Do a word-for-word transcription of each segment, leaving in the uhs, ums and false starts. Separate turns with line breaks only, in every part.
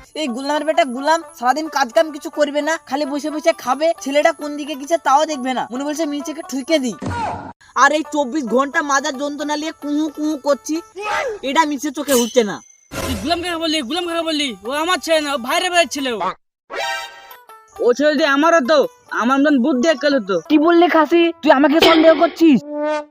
এই গুলামের বেটা গুলাম সারাদিন কাজ কাম কিছু করবে না, খালি বসে বসে খাবে। ছেলেটা কোন দিকে গেছে তাও দেখবে না, মনে বলছে নিচেকে ঠুকে দিই। আর এই চব্বিশ ঘন্টা মাজার যন্ত্রণা নিয়ে কুহু কুহু করছি, এটা মিছে চোখে উঠছে না।
তুই গুলাম কাকা বললি, গুলাম কাকা বললি, ও আমার ছেলে না, ও ভাইরে ভাইয়ের ছেলে। ও ও ছেলে দিয়ে আমারও তো আমার মতন বুদ্ধি একাল হতো।
কি বললি খাসি, তুই আমাকে সন্দেহ করছিস?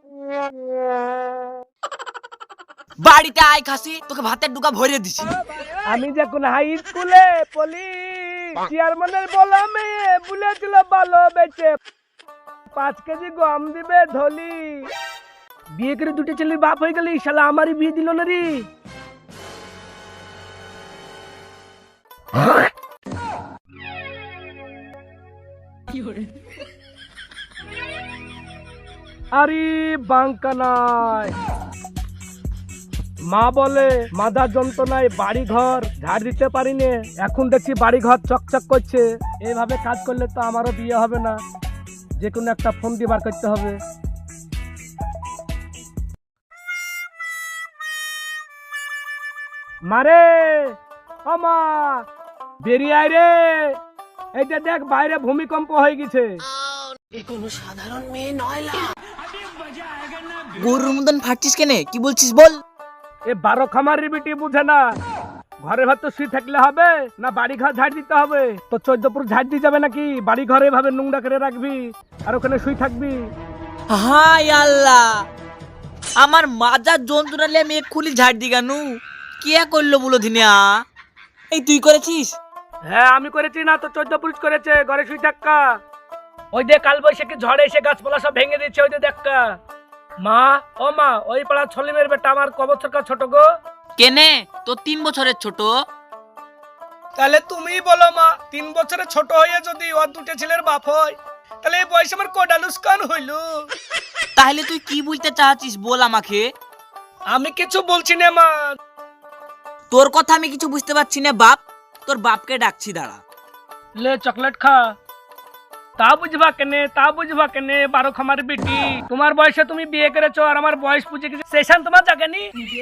বাড়িতে আয় খাসি, তোকে ভাতের ডুকা ভরে দিছি।
আমি যখন হাই স্কুলে পড়ি, চেয়ারম্যানের বলা মেয়ে বলেছিল ভালো বেচে পাঁচ কেজি গম দিবে ধলি। বিয়ে করে দুটো ছেলের বাপ হয়ে গেলি, শালা আমারই বিয়ে দিল না রে। আরে বাঙ্কা নাই। মা বলে মাথা যন্ত্রণায় বাড়ি ঘর ঝাড় দিতে পারি নে, এখন দেখছি বাড়ি ঘর চকচক করছে। এইভাবে কাজ করলে তো আমারও বিয়ে হবে না, যে কোনো একটা ফোন দিয়ে বার করতে হবে। মারে ও মা, বেরিয়ে আয় রে, এইটা দেখ বাইরে ভূমিকম্প হয়ে গেছে।
গরুর মতন ফাটছিস কেনে, কি বলছিস বল?
এ বারো খামারের বেটি বুঝে না, ঘরের ভেতর শুয়ে থাকলে হবে না বাড়ি ঘর ঝাড় দিতে হবে? তো চোদ্দপুর ঝাড় দিয়ে যাবে নাকি? বাড়ি ঘরে এভাবে নোংরা করে রাখবি আর ওখানে শুয়ে থাকবি?
হাই আল্লাহ, আমার মাজার যন্ত্রণা নিয়ে আমি এক্ষুনি ঝাড় দি কেন? কে করলো বলো দিনিয়া? এই তুই করেছিস?
হ্যাঁ আমি করেছি না তো, চোদ্দ পুরুষ করেছে। ঘরে শুয়ে থাকা, ওই যে কাল বৈশাখী ঝড়ে এসে গাছপালা সব ভেঙে দিচ্ছে, ওই যে দেখা। মা ও মা, ওই পাড়া ছলিমের বেটা আমার ক বছর ছোট গো?
কেনে, তো তিন বছরের ছোট।
তাহলে তুমি বলো মা, তিন বছরের ছোট হয়ে যদি ওর দুটো ছেলের বাপ হয়, তাহলে এই বয়সে আমার কোডালুস্কান হইল।
তাহলে তুই কি বলতে চাচ্ছিস বল আমাকে?
আমি কিছু বলছি না মা।
তোর কথা আমি কিছু বুঝতে পারছি না বাপ, তোর বাপকে ডাকছি, দাঁড়া।
লে চকলেট খা। তা বুঝবা কেনে, তা বুঝবা কেনে বারো খামার বেটি, তোমার বয়সে তুমি বিয়ে করেছো আর আমার বয়স পুজে গেছে, সেশন তোমার জাগেনি।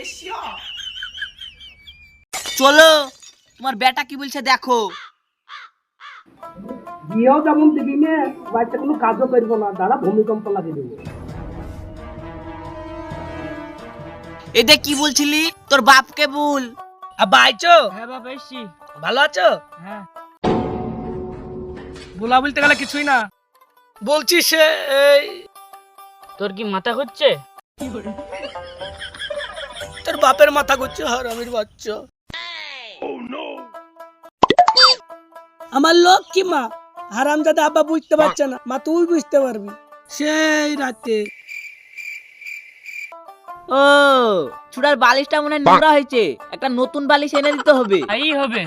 চলো, তোমার বেটা কি বলছে দেখো।
বিয়েও যেমন দিবি নে, বাড়িতে কোনো কাজও করবো না, দাঁড়া ভূমিকম্প লাগিয়ে দেবো।
এটা কি বলছিলি? তোর বাপকে বল।
আব্বা আইছো?
হ্যাঁ বাবা এসছি।
ভালো আছো?
হ্যাঁ।
বলা বলতে গেলে কিছুই না, বলছি সে এই
তোর কি মাথা হচ্ছে?
তোর বাপের মাথা ঘুরছে হারামির বাচ্চা। আমার লোক কি মা, হারামজাদা আব্বা বুঝতে পারছে না, মা তুই বুঝতে পারবি। সেই রাতে
ও চুড়ার বালিশটা মনে হয় নোংরা হয়েছে, একটা নতুন বালিশ এনে দিতে হবে।
এই হবে।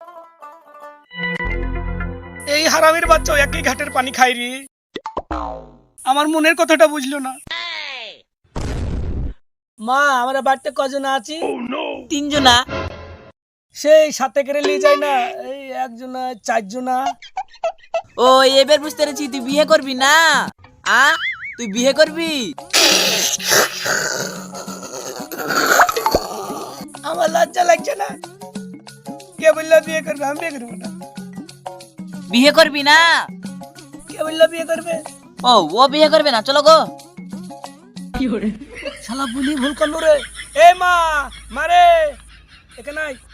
এই হারামির বাচ্চা একই ঘাটের পানি খাই রে, আমার মনের কথাটা বুঝলো না। মা আমরা বাড়িতে কজন আছি?
তিনজনা।
সেই সাথে করে নিয়ে যায় না, এই একজনা চারজনা।
ও এবার বুঝতে পেরেছি, তুই বিয়ে করবি না? আ তুই বিয়ে করবি?
আমার লজ্জা লাগছে না, কে বললো বিয়ে করবে? আমি বিয়ে করবো না।
বিয়ে করবি না?
কে বললো বিয়ে করবে?
ও ও বিয়ে করবে না, চলো গো।
শালা বলি ভুল করলো রে। এ মা, মারে এখানে আয়।